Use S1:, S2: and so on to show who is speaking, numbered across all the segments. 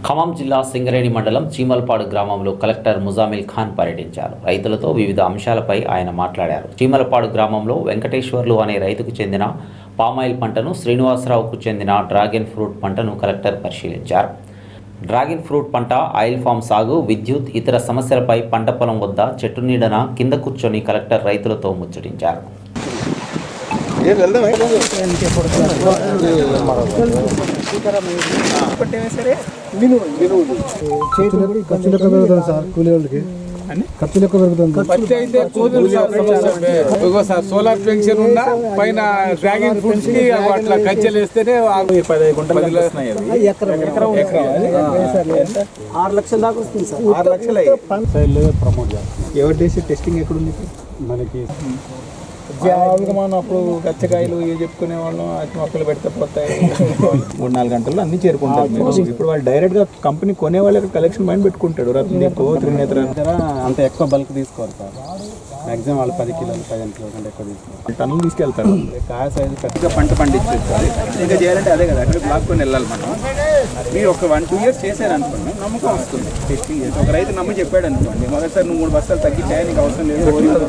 S1: ఖమ్మం జిల్లా సింగరేణి మండలం చీమలపాడు గ్రామంలో కలెక్టర్ ముజామిల్ ఖాన్ పర్యటించారు. రైతులతో వివిధ అంశాలపై ఆయన మాట్లాడారు. చీమలపాడు గ్రామంలో వెంకటేశ్వర్లు అనే రైతుకు చెందిన పామాయిల్ పంటను, శ్రీనివాసరావుకు చెందిన డ్రాగన్ ఫ్రూట్ పంటను కలెక్టర్ పరిశీలించారు. డ్రాగన్ ఫ్రూట్ పంట, ఆయిల్ ఫామ్ సాగు, విద్యుత్, ఇతర సమస్యలపై పంట పొలం వద్ద చెట్టు నీడన కింద కూర్చొని కలెక్టర్ రైతులతో ముచ్చటించారు.
S2: సోలార్ పెన్షన్ ఉన్నా పైన డ్రాగన్ ఫ్రూట్స్ కి అట్లా కచ్చలు వేస్తేనే 10 గుంటలు వస్తున్నాయి.
S3: 6 లక్షల దాకా వస్తుంది సార్.
S2: 6 లక్షలు
S3: ప్రమోట్ చేస్తాం.
S2: ఎవరు చేసి టెస్టింగ్ ఎక్కడుంది
S3: మనకి
S2: మనం అప్పుడు గచ్చకాయలు ఇవి చెప్పుకునే వాళ్ళం, అతి మొక్కలు పెడితే పోతాయి. 3-4 గంటల్లో అన్ని చేరుకుంటారు. ఇప్పుడు వాళ్ళు డైరెక్ట్ గా కంపెనీ కొనే వాళ్ళకి కలెక్షన్ మైండ్ పెట్టుకుంటాడు. రత్నదీప్, త్రినేత్ర
S3: అంత ఎక్కువ బల్క్ తీసుకోరు సార్. మ్యాక్సిమం వాళ్ళు 10 కిలోలు 15 కిలోల కంటే ఎక్కువ తీసుకోరు.
S2: టన్నులు తీసుకెళ్తారు. కాయ సైజు కరెక్ట్గా పంట పండించేస్తారు. ఇంకా చేయాలంటే అదే కదా, అక్కడ బ్లాక్ కొని వెళ్ళాలి మనం. మీరు ఒక 1-2 ఇయర్స్ చేశారనుకోండి, నమ్మకం వస్తుంది. టెస్టింగ్ చేసి ఒక రైతు నమ్మి చెప్పాడు అనుకోండి, మొదటిసారి నువ్వు 3 బస్తాలు తగ్గించాయి, నీకు అవసరం లేదు.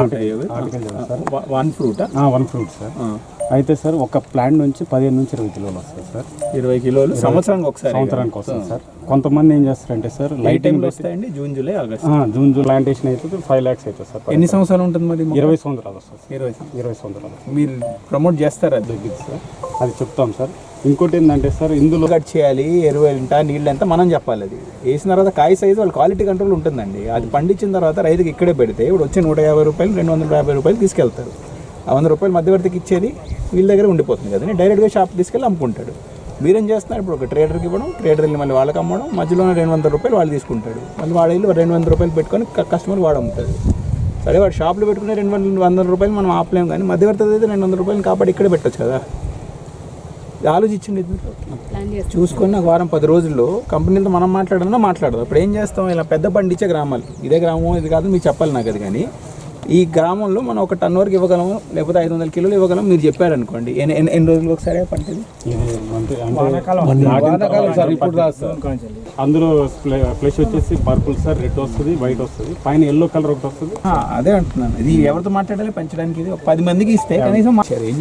S2: One fruit sir.
S3: అయితే సార్ ఒక ప్లాంట్ నుంచి 15 నుంచి 20 కిలోలు వస్తుంది సార్.
S2: 20 కిలోలు సంవత్సరానికి
S3: వస్తుంది సార్. కొంతమంది ఏం చేస్తారంటే సార్ లైటింగ్
S2: వస్తాయండి. జూన్ జూలై
S3: ప్లాంటేషన్ అయితే 5 lakhs అవుతుంది సార్.
S2: ఎన్ని సంవత్సరాలు ఉంటుంది మరి?
S3: 20 సంవత్సరాలు వస్తుంది.
S2: 20
S3: సంవత్సరాలు
S2: మీరు ప్రమోట్ చేస్తారా?
S3: దగ్గర సార్ అది చెప్తాం సార్. ఇంకోటి ఏంటంటే సార్, ఇందులో
S2: కట్ చేయాలి, ఎరువు ఎంత, నీళ్ళు ఎంత మనం చెప్పాలి. అది వేసిన తర్వాత కాయ సైజు వాళ్ళ క్వాలిటీ కంట్రోల్ ఉంటుందండి. అది పండించిన తర్వాత రైతుకి ఇక్కడే పెడితే ఇప్పుడు వచ్చే 150 రూపాయలు, 250 రూపాయలు తీసుకెళ్తారు. ఆ 100 రూపాయలు మధ్యవర్తికి ఇచ్చేది వీళ్ళ దగ్గర ఉండిపోతుంది కదండి. డైరెక్ట్గా షాప్ తీసుకెళ్ళి అమ్ముకుంటాడు. మీరేం చేస్తున్నారు, ఇప్పుడు ఒక ట్రేడర్కి ఇవ్వడం, ట్రేడర్ వెళ్ళి మళ్ళీ వాళ్ళకి అమ్మడం, మధ్యలోనే 200 రూపాయలు వాళ్ళు తీసుకుంటాడు. మళ్ళీ వాడు వెళ్ళి 200 రూపాయలు పెట్టుకొని కస్టమర్ వాడు అమ్ముతాడు. సరే, వాడు షాప్లో పెట్టుకునే 200 రూపాయలు మనం ఆపలేము, కానీ మధ్యవర్తి అయితే 200 రూపాయలు కాపాడి ఇక్కడే పెట్టచ్చు కదా. ఆలోచించండి. చూసుకొని నాకు వారం 10 రోజుల్లో కంపెనీతో మనం మాట్లాడదాం. అప్పుడు ఏం చేస్తాం, ఇలా పెద్ద పండించే గ్రామాలు, ఇదే గ్రామం ఇది కాదు మీకు చెప్పాలి నాకు అది, కానీ ఈ గ్రామంలో మనం ఒక టన్ వరకు ఇవ్వగలము, లేకపోతే 500 కిలోలు ఇవ్వగలం మీరు చెప్పారనుకోండి. ఎన్ని రోజులు ఒకసారి పంటది?
S3: అందులో ఫ్లెష్ వచ్చేసి పర్పుల్ సార్, రెడ్ వస్తుంది, వైట్ వస్తుంది, పైన ఎల్లో కలర్ ఒకటి వస్తుంది.
S2: అదే అంటున్నాను. ఇది ఎవరితో మాట్లాడాలి పెంచడానికి? ఇది 10 మందికి ఇస్తే కనీసం